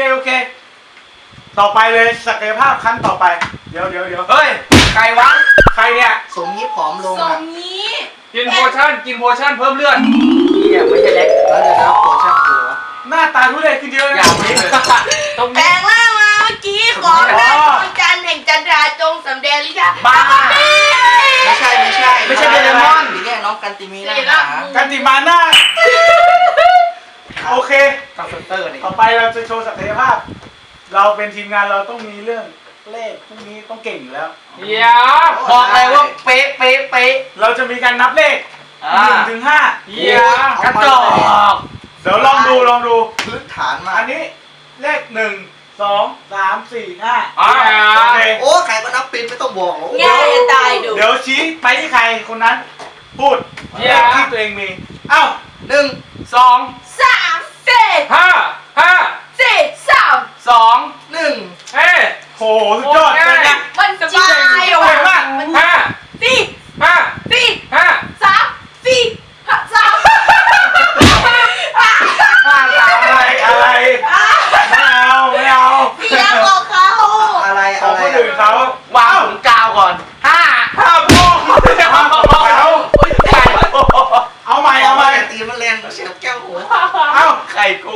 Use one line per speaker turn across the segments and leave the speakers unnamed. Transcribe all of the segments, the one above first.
เคต่อไปเลยศักยภาพขั้นต่อไปเดี๋ยว
เฮ้ยใครวะ
ใครเนี่ย
สมนี้ผอมลง
ทร
อ่ะ
งนี้
กินโพชั่นเพิ่มเลือด
เนี่ยไม่ใช่เล็กแล้วเดี๋ยวนะโผล่ช่างหัว
หน้าตาทุเรศขึ้นเยอะ
อย่าไปเลยตรง
แปล
นี้
งร่างมาเมื่อกี้ขอหน้าดวงจันทร์แห่งจันทราจงสำแดงลิขิต
บ้า
ไม่ใช่
ไม่ใช่โดเรมอน
นี่เนี่ยน้องกันติมีนะ
กันติมาหน้าโอเค
กับเซนเตอร์นี่
ต่อไปเราจะโชว์ศักยภาพ เราเป็นทีมงานเราต้องมีเรื่องเลขพวกนี้ต้องเก่งอยู่แล้ว
เดี๋ยวบอกเลยว่าเป๊ะ
เราจะมีการนับเลข1 ถึง 5
เดี๋ยวกระจอก
เดี๋ยวลองดู
พื้นฐานมา
อันนี้เลข1 2 3 4 5โอเค
โอ้ใครก็นับเป็นไม่ต้องบอก
ง่ายจะตายดู
เดี๋ยวชี้ไปที่ใครคนนั้นพูดเลขที่ตัวเองมีเอ้า
1
2
3 4
5
4 3
2
1
เฮ้ย
โหสุดยอดเลยนะ
มันสบายอ่ะ
เก่งมาก
4 4
5
3 4 3
อะไรไม่เอา
เสียงของเขา
อะไร
ของคนอื่นเขา
วางถุงกาวก่อน5
5โป้งเอาใหม่
ตีมันแรงเสียบแก้วหัว
เอ้า
ไข่กู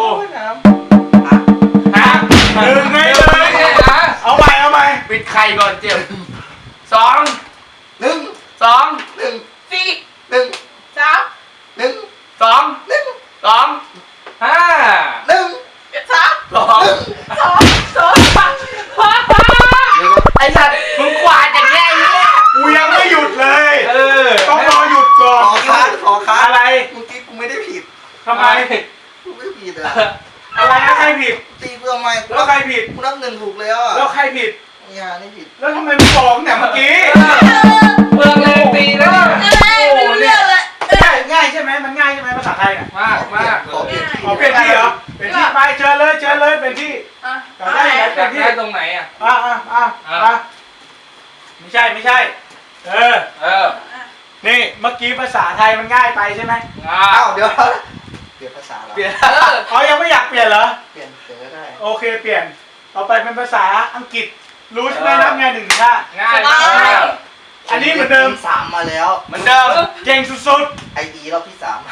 1ไงเลยเอาใหม่
ปิดไข่ก่อนเจ็บ2
1
2
1
4
1
3
1
2
1
2 5
3
ไอ้สัตว์มึงกวาดอย่างเงี้ย
กูยังไม่หยุดเลย ต้องร
ต้
อหยุดก่อน
ขอค้า
อะไร
เมื่อกี้กูไม่ได้ผิด
ทำไม
กูไม่ผิดอ่ะ
อะไรแล้วใครผิด
ตีเพื่อไม่
แล้วใครผิด
กูนับ1ถูกแล้วอ่ะ
แล้วใครผิด
เนี่ยนี่ผิด
แล้วทำไมไม่บอกเนี่ยเมื่อกี้
เมืองเลงตีแล้ว
ไม่รู้เรื่องเลย
ง่ายใช่ไหมมันง่ายใช่ไหมภาษาไทยเนี่ย
มาก
ขอเปลี่ยน
ขอเปลี่ยนที่เหรอเป็นที่ไปเชิญเลยเป็นที่อยากได้ไหน
อ
เป็
ยาน ก
ที่
ได้ตรงไหนอ่ะ
ไม่ใช่นี่เมื่อกี้ภาษาไทยมันง่ายไปใช่ไหม
อ้าวเดี๋ยวเปลี่ยนภาษาแล้ว
เปลี่ยน
เขายังไม่อยากเปลี่ยนเหรอ
เปลี่ยนก็ได้
โอเคเปลี่ยนต่อไปเป็นภาษาอังกฤษรู้ใช่ไหมนับไง1 ถึง 5
ง่ายมาก
อันนี้เหมือนเดิม
3มาแล้ว
เหมือนเดิม
เก่งสุด
ไอดีรอบที่ 3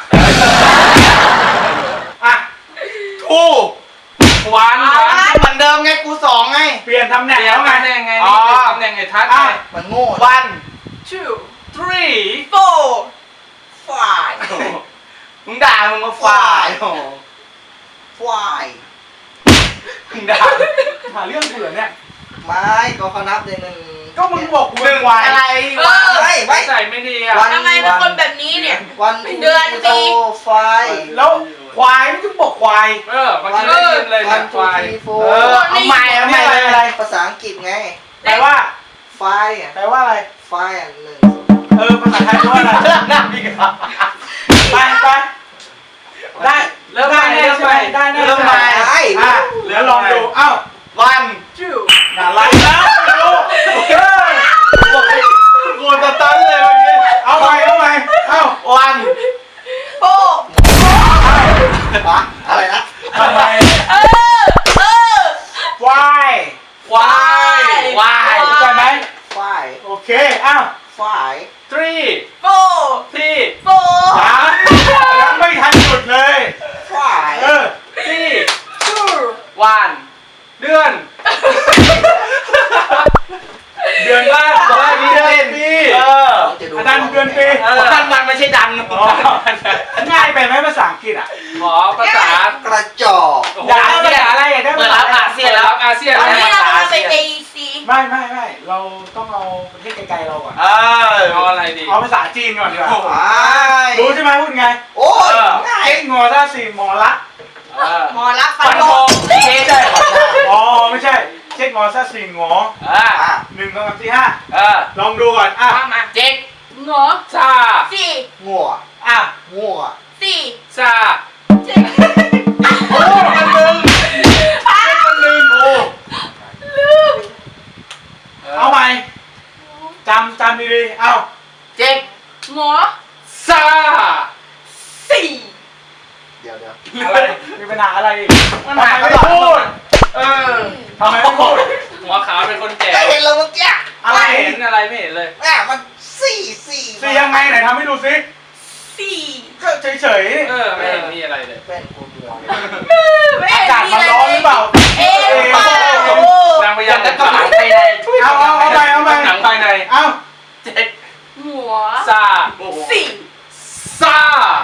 ๆอ่ะ
ทูหวานเหมือนเดิมไงกู2ไง
เปลี่ยนตำแหน่ง
เปลี่ยน
แล้วไง
ตำแหน่งไงนี่ตำแหน่งไอ้ทัศน์ไง
มันโง่
1 2 3
4
ฝ่าย
มึงด่ามึงมาฝ่าย
ฝ่าย
มึงด่า
หาเรื่องเผื่อเนี่ย
ไม่ก็เขานับเลย1
ก็มึงบอกกูเป็นควาย
อะไร
ไม่
ใส่ไม่ดีอ่ะ
ทำไมเป็นคนแบบนี้เนี่ย
วัน
เดือนปี
ไฟ
แล้วควายไม่ต้องบอกควาย
มันจะได้ยินเลย
วั
นะ
น
ควาย
2 3
เอาใหม่
อะไร
4ภาษาอังกฤษไง
แปลว่า
ไฟ
แปลว่าอะไร
ไฟ1
ภาษาไทยแปลว่าอะไรไปได้
เริ่มใหม่
ได้ใช่ไหมได้แน่
เริ่มใหม่
เดี๋ยวลองดูเอ้า
1
อะไรนะไม่รู้กูตะตันเลยเมื่อกี้เอาใหม่เอ้า
โป้
อะไรนะ
ทำไมควาย
ควาย
เข้าใจไหม
ไฟ
โอเคเอ้า
ไฟ
3
โป้
4
โป้
ยังไม่ทันหยุดเลย
ไฟ
4 1 เดือน
เดือนละปีอันนั้นเดือนปี
มันไม่ใช่ดัง
ง่ายไปไหมภาษาอังกฤษอ่ะ
ขอภาษาก
ระจอก
อย่าภาษาอะไรอ่ะได้
เปิดรับอาเซียนแล้วอาเซียน
ตอนนี้เราไป AEC
ไม่เราต้องเอาประเทศไกลๆเราก่อน
เอาอะไรดี
เอาภาษาจีนก่อนดีกว่า
ไฟ
รู้ใช่ไหมพูดไง
โอ้ยง่าย
เช็คงอท่าสี่หมอรัก
หมอรักฟั
ฟั
น
น
โบ
โงเช
ไม่ใช่อ๋อไม่ใช่เช็คงอท่าสี่หงอ
อ่ะ
1 2 3 4 5ลองดูก่อน
มา
เจ๊ก
หงอ
ซา
4
งัว งัว
4
ซา
โอ้มันลืมโอ้เอาใหม่จำดีๆเอา
เจ๊ก
หงอ
ซา
4
เดี๋ยว
อะไรมีปัญหาอะไรอีก
มันหา
ไม่
ไม่
พูด
เอ
ทำไมไม่พูด
หัวขาวเป็นคนแก่
ก็เห็นแล้วเมื่อกี้
อะไร
ไม่เห็นอะไรไม่เห็นเลย
แม่มันสี่
สียังไงไหนทำให้ดูซิ
สี่
ก็เฉย
ไม่เห็นมีอะไรเลย
เป็นกูเมือง
ไม่
ๆอา
เห็น
กาศ
มี
มัน
อะไร
ร้อนหรือเปล่า
เอ๊ะเปล่าน
างพยายามจะกำลังภายใน
เอาไป
หนังภายใน
เอา
เจ็ด
หัว
ซา
สี่
ซา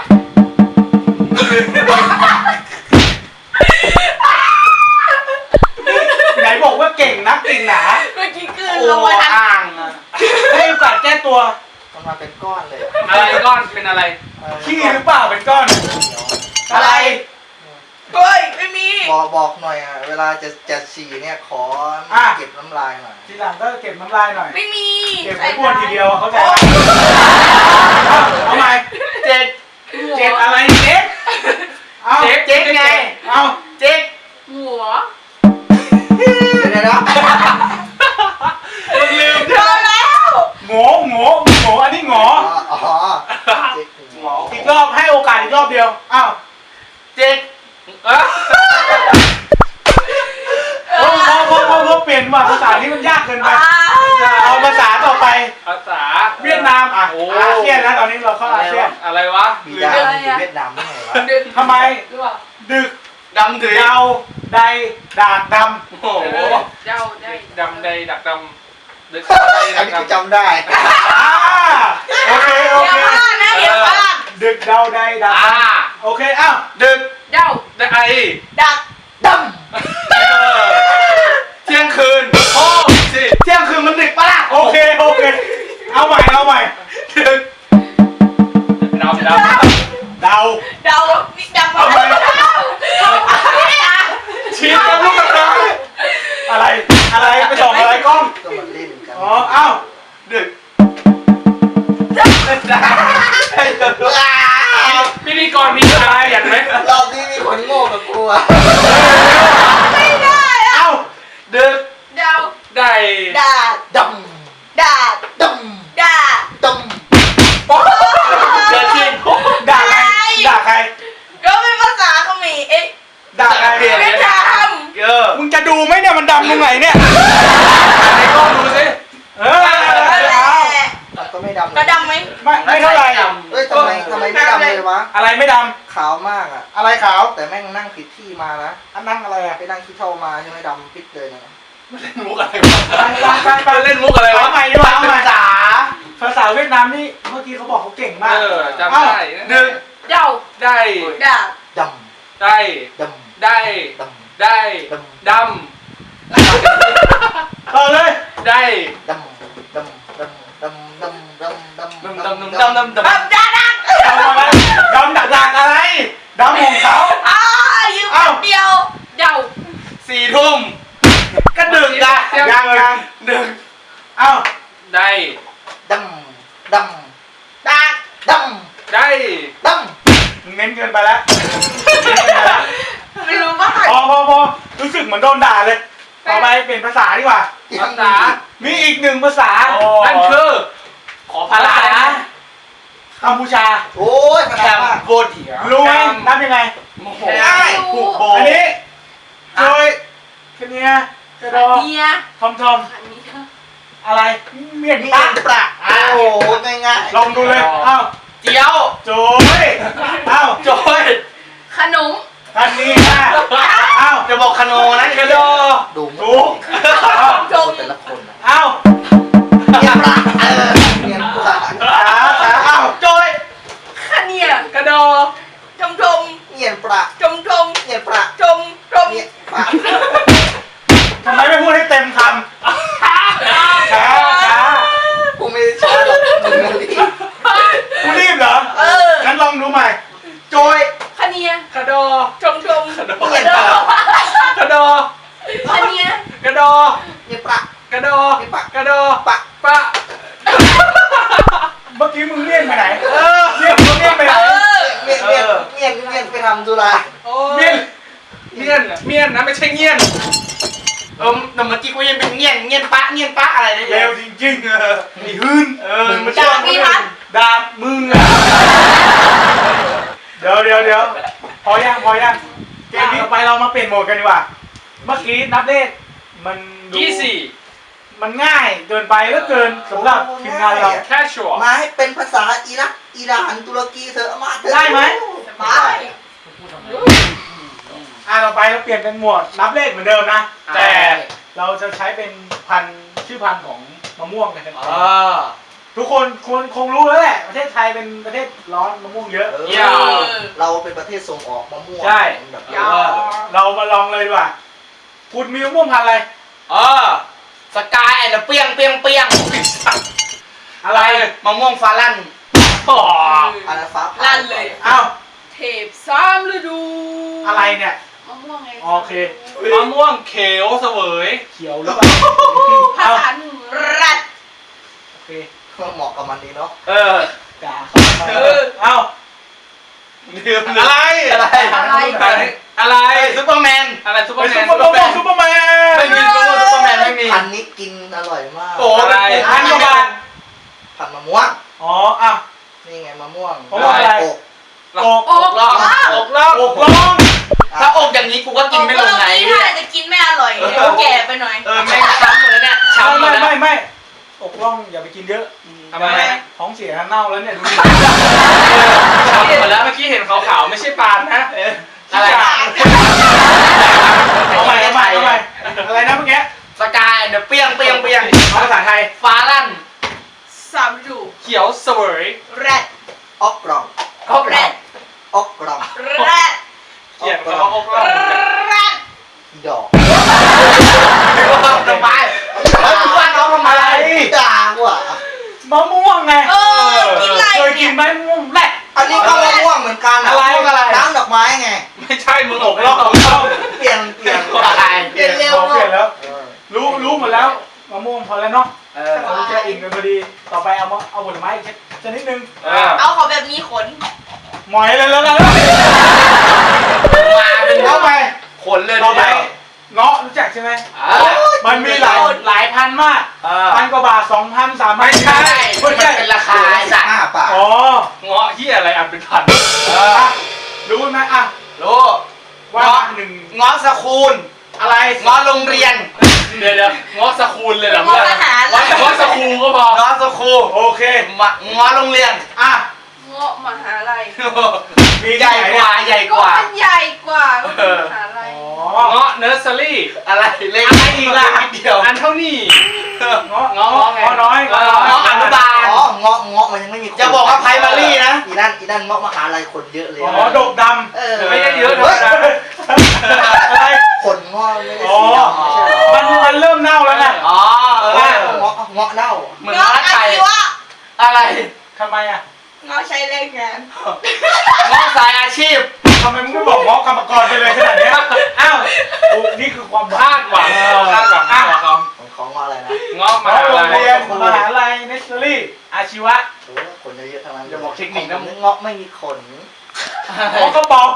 ไหนบอกว่าเก่งนักเก่งหนา
เมื่อกี้คือ
โอ้
ลงมาทัน
อ่างอะ
ให้โอกาสแก้ตัว
มันมาเป็นก้อนเลย
อะไรก้อนเป็นอะไร
ขี้หรือเปล่าเป็นก้อน อะไร
เฮ้ยไม่มี
บอกหน่อยอ่ะเวลาจะฉี่เนี่ยขอเก็บน้ำลายหน่อย
ทีหลังก็เก็บน้ำลายหน่อย
ไม่มี
เก็บไว้บ้วนทีเดียวเข้าใจไหมเอาใหม่
เจ็ด
เจ็ดอะไรเจ็ดเอา
เจ๊กไง
เอา
เจ๊ก
หัว
เดี๋ยวนะ
มึงลืม
เจอแล้ว
โง่อันนี้โง่
อ๋อ
หมอ
อีกรอบให้โอกาสอีกรอบเดียวอ้าว
เจ๊กเออ
พอเปลี่ยนว่าภาษานี้มันยากเกินไป
อ่า
เอาภาษาต่อไป
ภาษา
เวียดนามอ่ะ
โอ้
อาเซียนแล้วตอนนี้เราเข้าอาเซียน
อะไรวะ
มีดาวอยู่เวียดนามได้ไงวะ
ดึก
ทำไม
หรือเปล่า
ดึก
ดำถือ
เดาใดดากด
โอ้โห
เจ้าได้
ดำใดดักดำดึกใด
อั
ดั
น
ก
นี้กู
ดำ
จำได้
ำโอเค
อย่าพลาดนะอย่าพลาด
ดึกเดาใดดากดำโอเคอ้าว
ดึก
เจ้า
ได้ไอ
ดัก
ด
เที่ยงคืนโอ้สิ
เที่ยงคืนมันดึกปะล่ะโอเคเอาใหม่
ดึ
ดึก
กดำ
เดา
เดานี่ดำ
เอาไป
ชี้กับลูกกระตา
อะไรไปส่องอะไรกล้อง
ำก็มันเล่นกัน
อ๋ออ้าว
ดึกพิธีกรมีอะไรเห็นไหม
รอบนี้มีคนโง่กับกูอ่ะ
ไม่ได้อะ
เอ้า
ดึก
เดา
ได้
ดาด
ด
ดาด
ำด
ดาด
ำด
เกิดจริง
ด่าใคร
ก็เป็นภาษาเขมรเอ๊ะ
ด่าใคร
เวียดนาม
มึงจะดูไหมเนี่ยมันดำตรงไหนเนี่ย
ไหนกล้องดูสิ
เออ
นั่นแหละ
ำก็ไม่ดำ
กระดำไหม
ไม่เท่าไหร่
เฮ้ยทำไมไม่ดำเลยวะ
อะไรไม่ด
ขาวมากอ่ะ
ำอะไรขาว
แต่แม่งนั่งผิดที่มานะ
อันนั่งอะไรอ่ะ
ไปนั่งขี้เท่ามาใช่ไหมดำปิดเลยนะ
เล่นมุกอะไรวะ
ไป
เล่นมุกอะไรวะ
เอาใหม่ดีกว่าเอาใหม่ภาษาเวียดนามนี่เมื่อกี้เขาบอกเขาเก่งมาก
จำได้
ดึก
เดา
ได้
ดาด
ด
ได้
ำด
ได้
ำดำ
ได้ด
ต่อเลย
ำได้
ดำดำดำดำดำดำดำ
ดำดำดำดำดำดำ
ดำดาดัก
ดำอะไรดำดักอะไรดำของเขา
ยืมคนเดียวเดา
4 ทุ่มก็ดึกอะ
ยัง
ดึก
เอ้า
ได้
ดำด
ดาก
ำด
ได้
ำด
มึงเน้นเกินไปแล้วเน้นเกินไปแล้ว
ไม่รู้ว่า
พอรู้สึกเหมือนโดนด่าเลยต่อไปเปลี่ยนภาษาดีกว่า
ำ
ภาษา
มีอีกหนึ่งภาษา
นั่นคือ ขอพารานะ
กัมพูชา
โอ้ยมัน
แค
ดำ
ม
มาก
โบเดีย
รู้ไหมนับยังไง
โมโห
ผูกโบอันนี้โดยแค่เนี้ยกระดอ
เนีย
ทอม
ขันนี้เธอ
อะไรเมียน
นี่
ปะ
ปลาโอ้โหง่าย
ลองดูเลยเอ้า
เจียว
โจยเอ้า
โจย
ขนม
ทันนี้ค่ะเอ้า
จะบอกคโนนะกระโด
ๆดู
ถูกเอ้า
จง
แต่ละคนอะ
เอ้า
เนียนปลาเนียนปลา
ขาเอ้า
โจย
ขะเนีย
กระโด
ชมชม
เนียนปลา
ชมชม
เนียนปลา
ชมชม
เนียนปลา
ทำไมไม่พูดให้เต็มคำช้า
กูไม่ได้ชอบหรอกมึงนั่นดิ
กูรีบเหรองั้นลองดูใหม่
โจย
ขะเนีย
กระโด
ชมชม
กระโด
เนียนปลาก
ระโด
ขะเนีย
กระโด
เนียนปลาก
ระโด กระโด
ปะ
ปะ
เมื่อกี้มึงเลี่ยนไปไหนเลี่ยนไปไหน
เนียนเนียนเนียนไปทำธุระ
เลี่ยน
เมียนนะไม่ใช่เงี้ยนแต่เมื่อกี้กูยังเป็นเงี้ยนปะอะไรเนี่ย
เร็วจริงๆไอ้หื้นมึงมา
ดาบพี่พัด
ดาบมึงอ่ะเดี๋ยวพอยังเกมนี้ต่อไปเรามาเปลี่ยนโหมดกันดีกว่าเมื่อกี้นับเลขมันดู
24
มันง่ายเกินไปแล้วเกินสำหรับทีมงานเรา
casual
มาให้เป็นภาษาอิรักอิหร่านตุรกีเถอะมาเถอะ
ได้ไหม
ไป
ต่อไปเราเปลี่ยนเป็นหมวดนับเลขเหมือนเดิมนะ แต่เราจะใช้เป็นชื่อพันธุ์ของมะม่วงกัน ทุกคนคงรู้แล้วแหละประเทศไทยเป็นประเทศร้อนมะม่วงเยอะ
เราเป็นประเทศส่งออกมะม่วง
ใช่
แบบ
เรามาลองเลยดีกว่าคุณมีมะม่วงพันธุ์อะไร
สกายแอนด์เปียง
อะไร
มะม่วงฟ้าลั่น
อันนั้นฟ้าผ่า
ลั่นเลย
อ้าว
เทพซ้ำฤดู
อะไรเนี่ย
มะม่วงไง
โอเค
มะม่วงเขียวเสวย
เขียวหรือเปล่า
ภาษารัด
โอเค
เหมาะกับมันดีเนาะ
กาเอ้า
อะไร
อะไร
ซุปเปอร์แมนอะไรซุปเปอ
ไป
ร์แม
ซุ
น
ปเปอร์ซุปเปอร์แมน
ไม่มีซุปเปอร์แมนไม่มี
พันธุ์นี้กินอร่อยมาก
โอ้อะไร
พันกว่าบาท
พันธุ์มะม่วง
อ๋ออ่ะ
นี่ไงมะม่วง
มะม่วงอะไร
อก
อก
ล่องอกล่อง
อกร้อง
ถ้าอกอย่างนี้กูก็กินไม่ลงไหน
ถ้าจะกินไม่อร่อยเดี๋ยวแก่ไปหน่อย
แม่งช้ำหมดแล้วเนี่ยช้ำหมดแล้ว
ไม่อกร้องอย่าไปกินเยอะ
ทำไม
ท้องเสียเน่าแล้วเนี่ยดูดิ
ช้ำหมดแล้วเมื่อกี้เห็นขาวๆไม่ใช่ปานนะอะไร
เอาใหม่อะไรนะเมื่อกี้
สกายเดี๋ยวเปียง
เอาภาษาไทย
ฟ้าลั่น
สามฤดู
เขียวเสวย
แรด
ออกกล่อง
แรด
ออกกล่อง
แรด
เขียนเขาอกล่อง
แรด
อีดอก
ทำไมว่าน้องทำไม
ด่าว่ะ
มะม่วงไง
กินอะไร
เคยกินไหมมะม่วงแรด
อันนี้ก็มะม่วงเหมือนกัน
อะไร
น้ำดอกไม้ไง
ไม่ใช่มึงอกล่อง
เปลี่ยน
เปลี่ยนเร็ว
เปลี่ยนแล้ว รู้หมดแล้วมะม่วงพอแล้วเนาะเราจะอิ่มกันพอดีต่อไปเอาผลไม้อีกชนิดนึง
เอาขอแบบมีขน
หมอยเลยแล้ว
มาเป็น
ต่อไป
ขนเลย
ต่อไปเงาะรู้จักใช่ไหมมันมีหลายพันมากพันกว่าบาท2,000 3,000
ไม่ใช่
ไม่ใช่
เป็นราคาไอ้สัตว์
5 บาท
อ๋อ
เงาะที่อะไรอันเป็นพัน
รู้ไหมอ่ะ
รู้
ว่า
เงาะ
หนึ่ง
เงาะสคูล
อะไร
เงาะโรงเรียนเดี๋ยวเงาะสคูลเลยเหรอเพื่อนเงาะสคูลก็พอเงาะสคูล
โอเค
เงาะโรงเรียน
อ่ะ
เงาะมหาลัย
มี
ใหญ่กว่าใหญ่กว่า
มันใหญ่กว่าก็คือมหาลัย
อ๋อ
เงาะเนอร์เซอรี่อะไรเล็กอีกละเดียวอันเท่านี้
เงาะ
เงาะ
น้อย
เงาะอนุบาล
อ๋อเงาะมันยังไม่มีคน
จะบอกว่าไพรมารี่นะ
อีนั่นเงาะมหาลัยคนเยอะเลย
อ๋อดกด
ไม่ได้เยอะธรรมดา
ำอะไร
คนเงาะไม่ได้
อ๋อ
สีดำไม่ใช่เหรอ
มันเริ่มเน่าแล้วไง
อ๋อ
เงาะเน่า
เหมือน
เงาะ
เงาะ
อา
ไทย
ชีวะ
อะไร
ทำไมอ่ะ
เงาะใช้แรงงาน
เงาะสายอาชีพ
ทำไมมึงไม่บอกเงาะกรรมกรไปเลยขนาดเนี้ยอ้าวโอ้นี่คือความ
คาดหวังคาดหวังเขา
ของเงาะอะไรนะ
เงาะมา
โรง
อะไร
เรียนมหาลัยเนสเซอรี่อาชีวะ
โอ้คนเยอะๆทั้งนั้น
อย่าบอกเทคนิคนะ
เงาะไม่มีขน
เงาะก็บอก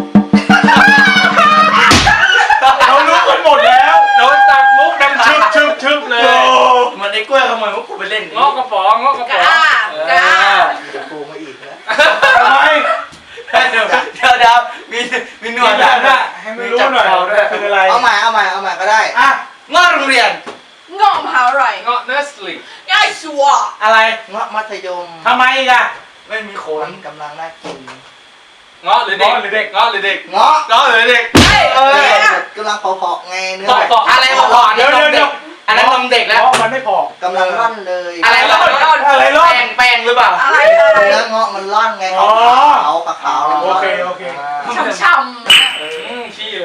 เรารู้กันหมดแล้ว
โดนตัดมุกดังชึบเลย
เหมือนไอ้กล้วยขโมยมุกกูไปเล่น
เงาะกระป๋องเงาะกระป๋อง
เดี๋ยวกูมาอีกนะ
ทำไม
เดี๋ยวมีหนวด
ให้ไม่รู้หน่อยคืออะไร
เอาใหม่ก็ได้
อ่ะ
เงาะโรงเรียน
เงาะมหาลัย
เงาะเนอร์สลี
ง่ายชัว
อะไร
เงาะมัธยม
ทำไมอีกอ่ะ
ไม่มีข
มัน นกำลังน่ากิน
เงาะหรือเด็กเงาะหรือเด็ก
เงาะ
เงาะหรือเด็ก
เฮ้ย
กำลังเผาๆไงเนื้อ
พออะไรพออันนั้นนมเด็กอันนั้นนมเด็กแล้ว
เงาะมันไม่พอก
ำลังร่อนเลย
อะไรร่อน
อะไรร่อน
แป้งหรือเปล่า
อะไร
เนื้อเงาะมันร่อนไงขาว
โอเค
ช่ำ
ขี้เลย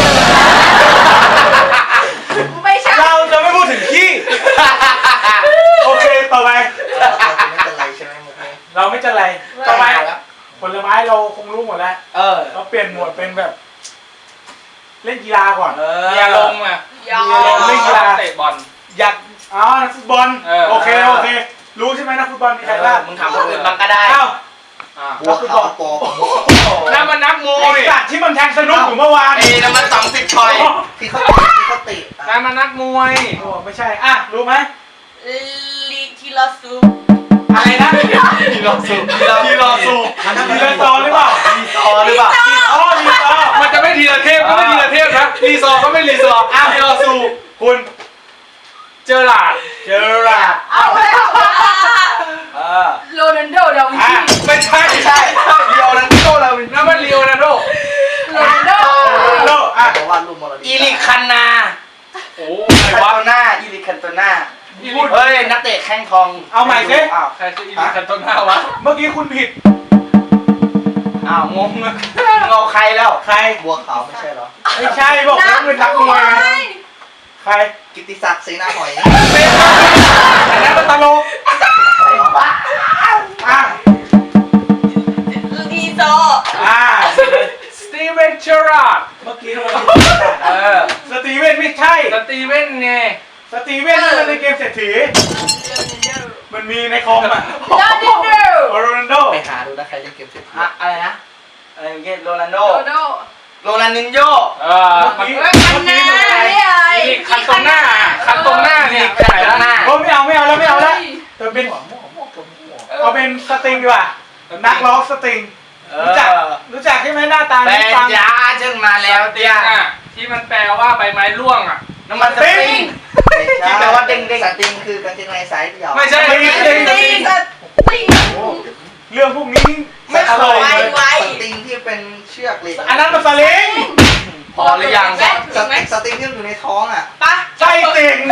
ๆไม่ใช่
เราจะไม่พูดถึงขี้โอเคต่อไป
ไม่เป็นไรใช่ไหมมุกนี้
เราไม่จะไรต่อไปผลไม้เราคงรู้หมดแล้ว เราเปลี่ยนหมวดเป็นแบบ เล่นกีฬาก่อน
มีอารมณ์อ่ะ
ยา
เล่นกีฬา
เตะบอล
อยากนักฟุตบอลโอเครู้ใช่ไหมนักฟุตบอลมีใครบ้าง
มึงถามคนอื่นบ้างก็ได้
อ้าว
หัวขาวโป
น้ำมันนักมว
ไอ้
ย
สัตว์ที่มันแทงสนุกอยู่เมื่อวาน
น้ำมัน20ชอย
ที่เขาติ
น้ำมันนักมวย
โอ้ไม่ใช่อ่ะรู้ไหม
ลีทีลาซู
อะไรนะ
ทีรอสูบ
ทีรอสูบทีรอซอหรือเปล่า
รีซอหรือเปล่า
รีซอ
มันจะไม่ทีละเทพก็ไม่ทีละเทพนะรีซอก็ไม่รีซอทีรอสูบ
คุณ
เจอหลาด
เจอราร์ด
เอาแล้ว
โรนัลโดดาวิน
อ่ะ
ชี
ไม่ใช่ใช่เดียวนั้นโตเรานั่นมันเลียวนะโด
โรนัลโด
โลอ่ะ
เพราะว่าลูกมรดก
อีลิคคันนา
โอ้
คันโตน่าอีลิคคันโตน่า
พูด
เฮ้ยนักเตะแข้งทอง
เอาใหม่สิ
อ้าว
ใครคืออีลิคันโตน่าวะเมื่อกี้คุณผิด
อ้าวงงเลยเงาใครแล้ว
ใคร
บัวขาวไม่ใช่เหรอ
ไม่ใช่บอกแล้วเป็นนักมวยไงใคร
กิตติศักดิ์เสนาหอย
อันนั้นมันตลกอ่ะ
ดีโซ
อ่า
สตีเวนเจอราร์ด
เมื่อกี้ทำไมผิดอ่ะสตีเวนไม่ใช่
สตีเวนไง
สตีเวนนี่มันในเกมเศรษฐีมันมีในคอมอ่ะ
โรนัลโด
โรนัลโด
ไปหาดูนะใครเล่นเกมเสร็จ
อะอะไรนะอะไรเงี้ยโรนัลโด
โรนัลโด
โรนัลดินโญ
เมื่อกี้
เฮ้ยคันนาเนี่ยไอ้
คันตรงหน้าคันตรงหน้าเนี่ยคันตรงหน้า
โอ้ไม่เอาแล้วไม่เอาแล้วแต่เป็นเอาเป็นสตริงดีกว่านักร้องสตริงรู้จักใช่ไหมหน้าตา
แปล
ฟัง
ยาจึงมาแล้วเตี้ย
ที่มันแปลว่าใบไม้ร่วงอ่ะ
น้ำมันสปริง ที่แปลว่าเด้งๆ
สติงคือกางเกงในสายเดี่ยว
ไม่ใช่
ไม่
ไม่
ใช่
ใช่
ตีตี
เรื่องพวกนี้ไม่เคย
ไวไว
สติงที่เป็นเชือกเหล็ก
อันนั้นมันสลิง
พอหรือยัง
สติงที่มันอยู่ในท้องอ่ะ
ปะ
ใช่ติ่ง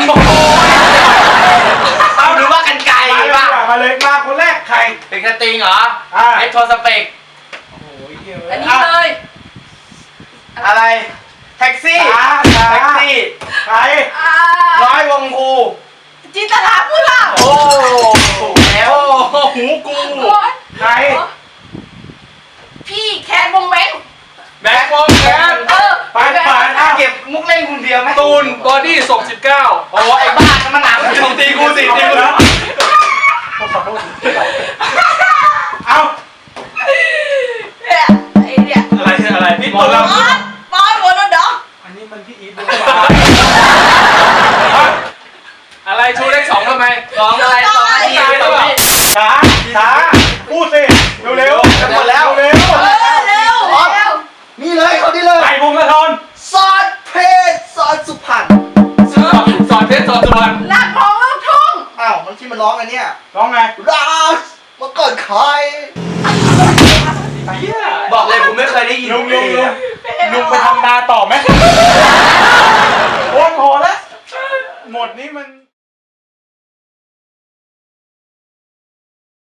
เอาหรือว่ากันไกล
มาเลย
ป่ะ
มาเลยมาคนแรกใคร
เป็นกระติงเหรอ
อ่า
เอ็กโทสเปก
อันนี้เลย
อะไร แท็กซี่ แท็กซี่
ใคร
ร้อยวงภู
จินตลาพูดล่ะ
โอ้ถูกแล้ว หูกู
ใคร
พี่แคนวงแบงค์
แบ็ควงแคท
ปานปานอ้าว
เก็บมุกเล่นคนเดียวไหม
ตูนบอดี้ศพ19
โอ้ไอ้บ้านั่นมันหนังตีกูสิตีกู
เอา
เนี่ยไอ้เนี่ย
อะไรพี่
หม
ตู
ด
น
แล้ว
บอสโรนัลโด
อันนี้มันพี่อีท
อะไรชูเลข2ทำไม
สองอะไรสองนาทีสองนาที
ช้าช้าพูดสิเร็ว
จะหมดแล้ว
เร็ว
เร็ว
นี่เลยเขานี่เลย
ไอ้พงศธร
ซอสเพชรซอสสุพรรณ
สอนเพชรสอนสุวรรณ
นักร้องลูกทุ่ง
อ้าวมันที่มันร้องอันเนี้ย
ร้องไง
รักเมื่อก่อนใคร
บอกเลยผมไม่เคยได้ยิน
ลุงไปทำนาต่อไหมโอ้พอแล้วหมดนี้มัน